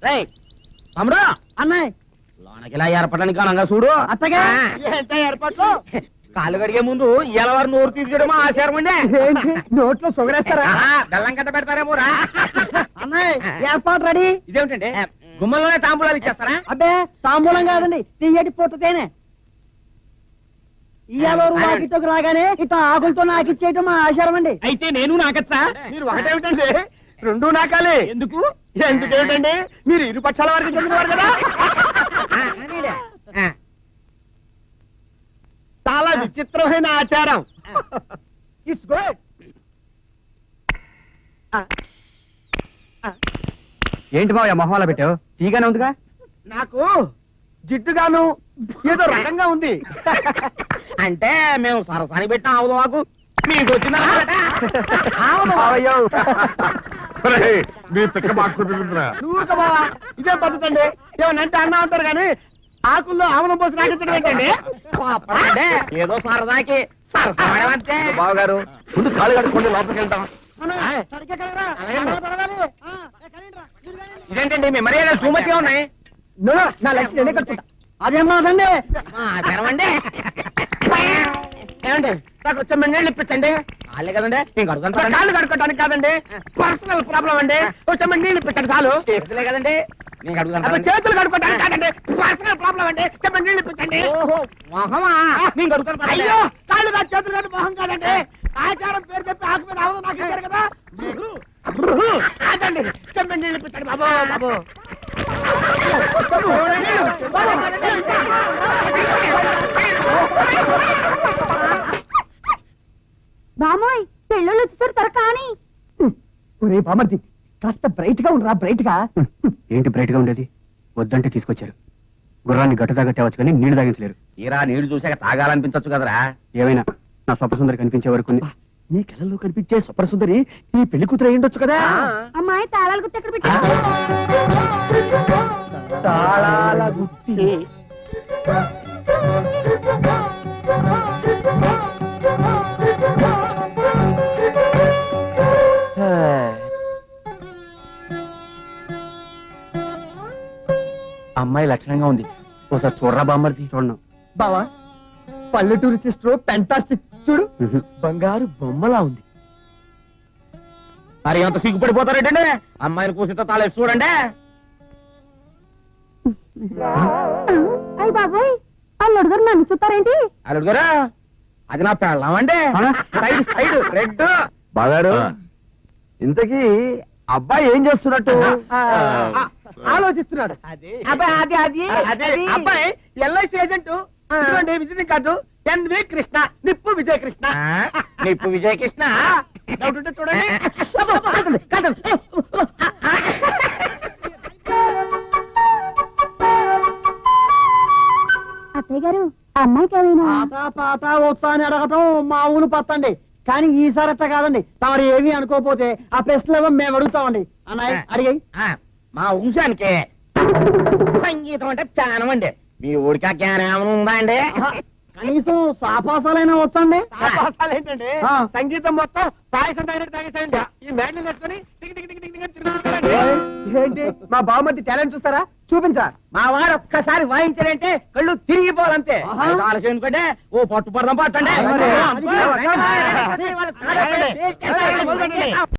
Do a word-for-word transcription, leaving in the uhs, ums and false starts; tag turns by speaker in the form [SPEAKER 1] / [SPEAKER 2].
[SPEAKER 1] తమ్ముడు
[SPEAKER 2] అన్నయ్య
[SPEAKER 1] లోనకి ఇలా ఏర్పడడానికి కానంగా చూడు
[SPEAKER 2] అత్తగా
[SPEAKER 1] ఏంటో ఏర్పాట్లు కాళ్ళు కడిగే ముందు ఎలవారు నోరు తీర్చడం ఆచారం అండి
[SPEAKER 2] నోట్లో సుగరేస్తారా
[SPEAKER 1] బెల్లం కట్ట పెడతారేమో రా
[SPEAKER 2] అన్నయ్య ఏర్పాటు రెడీ
[SPEAKER 1] ఇదేమిటండి గుమ్మలోనే తాంబూలాలు ఇచ్చేస్తారా
[SPEAKER 2] అబ్బే తాంబూలం కాదండి తీయటి పూటతేనే ఇవాళ వాకిట్లోకి రాగానే ఇట్లా ఆకులతో నాకిచ్చేయటం మా ఆచారం అండి.
[SPEAKER 1] అయితే నేను నాకచ్చా
[SPEAKER 3] మీరు ఒకటేమిటండి రెండు నాకాలే
[SPEAKER 1] ఎందుకు
[SPEAKER 3] ఎందుకేమిటండి మీరు ఇరు పక్షాల వరకు చెందినవారు కదా చాలా విచిత్రమైన ఆచారం. It's good.
[SPEAKER 2] ఏంటి బాబు మొహంలో పెట్టావు తీగానే ఉందిగా
[SPEAKER 3] నాకు జిడ్డుగాను ఏదో రకంగా ఉంది.
[SPEAKER 1] అంటే మేము సరసాని పెట్టిన ఆవుదు మాకు మీకు వచ్చిందా
[SPEAKER 4] మీ పిక్క మాకు
[SPEAKER 3] నువ్వు బావా ఇదే పద్ధతి అండి. ఏమనంటే అన్నా ఉంటారు కానీ ఆకుల్లో ఆమలం పోసి రాకించడం ఏంటండి?
[SPEAKER 1] అంటే ఏదో సరదాకి సరసాడే
[SPEAKER 4] బావగారు ముందు కాలు కట్టుకోండి లోపలికి వెళ్తాం.
[SPEAKER 1] ఇదేంటండి మీ మర్యాద చూమతిగా ఉన్నాయి
[SPEAKER 2] నా లక్ష్యం నేనే కట్టుకుంటా. అదేం మాటండి
[SPEAKER 1] తెరవండి ఏమండి నాకు వచ్చే మండేళ్ళు ఇప్పించండి వాళ్ళే కదండి నేను కడుగుతాను
[SPEAKER 3] కాళ్ళు కడుక్కోవడానికి కాదండి, పర్సనల్ ప్రాబ్లం అండి. కొంచెం నీళ్ళు ఇప్పించండి చాలు.
[SPEAKER 1] చేతులే కదండి నేను
[SPEAKER 3] అబ్బా,
[SPEAKER 1] కడుగుతాను
[SPEAKER 3] చేతులు కడుక్కోవడానికి కాదండి, పర్సనల్ ప్రాబ్లం అండి. చెప్పండి నీళ్ళు ఇప్పించండి.
[SPEAKER 1] ఓహో మొహమా నేను కడుగుతాను
[SPEAKER 3] అయ్యో కాళ్ళు కాదు చేతులు కాదు మొహం కాదండి. ఆచారం పేరు చెప్పి ఆకు మీద ఆవులు నాకు ఇచ్చారు కదా. కాదండి చెప్పండి నీళ్ళు ఇప్పించండి బాబు బాబు.
[SPEAKER 5] బామోయ్ పెళ్ళోళ్ళు వచ్చేసారు త్వర కానీ.
[SPEAKER 2] ఒరే బామర్ది కాస్త బ్రైట్ గా ఉండరా బ్రైట్ గా.
[SPEAKER 6] ఏంటి బ్రైట్ గా ఉండేది? వద్దంటే తీసుకొచ్చారు. గుర్రాన్ని గట్ట దాకా తేవచ్చు కానీ నీళ్లు తాగించలేరు.
[SPEAKER 1] తీరా నీళ్లు చూసాక తాగాలనిపించచ్చు కదరా.
[SPEAKER 6] ఏమైనా నా స్వప్నసుందరి కనిపించే వరకు
[SPEAKER 3] నీ కళ్ళలో కనిపించే సుప్రసుందరి ఈ పెళ్లి కూతురు అయ్యుండొచ్చు కదా.
[SPEAKER 5] అమ్మాయి తాళాలు గుర్తు ఎక్కడ పెట్టారు?
[SPEAKER 3] తాళాల గుత్తి.
[SPEAKER 1] అమ్మాయి లక్షణంగా ఉంది ఒకసారి చూడరా బామ్మర్ది.
[SPEAKER 6] చూడను.
[SPEAKER 3] బావా పల్లెటూరు సిస్టర్ పెంటాస్టిక్ చూడు, బంగారు బొమ్మలా ఉంది.
[SPEAKER 1] మరి ఎంత సిగ్గుపడిపోతారేటండి అమ్మాయిని కూసితో తాళేసి చూడండి.
[SPEAKER 5] అయ్య బాబోయ్ అల్లుడు గారు నన్ను చూస్తారేంటి?
[SPEAKER 1] అల్లుడు గారు అది నా పెళ్ళామండి. సైడ్ సైడ్ రెడ్
[SPEAKER 4] బాగారు ఇంతకీ అబ్బాయి ఏం చేస్తున్నట్టు?
[SPEAKER 3] ఆలోచిస్తున్నాడు.
[SPEAKER 2] అబ్బాయి అది అది
[SPEAKER 3] అదే అబ్బాయి ఎల్ఐసి ఏజెంట్. ఇదిగోండి విజిటింగ్ కార్డు ఎన్వి కృష్ణ, నిప్పు విజయ కృష్ణ.
[SPEAKER 1] నిప్పు విజయకృష్ణ
[SPEAKER 3] డౌట్ ఉంటే చూడండి.
[SPEAKER 5] అత్తయ్య గారు అమ్మాయికి ఏమైనా?
[SPEAKER 2] పాట పాట వచ్చా అని అడగటం మా ఊరు పత్తండి, కానీ ఈసారి అట్ట కాదండి. తమరు ఏమీ అనుకోపోతే ఆ ప్రశ్నలు మేము అడుగుతామండి. అన్నయ్య అడిగాయి.
[SPEAKER 1] మా వంశానికి సంగీతం అంటే జ్ఞానం అండి. మీ ఊడికి ఆ జ్ఞానం ఏమైనా ఉందా అండి?
[SPEAKER 2] కనీసం సాపాసాలైనా వచ్చండి.
[SPEAKER 3] ఆపాసాలు ఏంటండి?
[SPEAKER 2] ఆ.
[SPEAKER 3] సంగీతం మొత్తం పాయసం తాగినట్టు తాగేసాయండి. ఈ మేడలు వేసుకొని tick tick tick tick tick అని తిరుగుతున్నారండి. ఏంటి మా బావమతి టాలెంట్ చూస్తారా? చూపించా.
[SPEAKER 1] మా వారు ఒక్కసారి వాయించారంటే కళ్ళు తిరిగిపోవాలంతే.
[SPEAKER 2] ఆహా.
[SPEAKER 1] ఆలస్యం ఎందుకంటే ఓ పట్టు పడదాం పట్టండి.
[SPEAKER 2] మరి.
[SPEAKER 1] అది.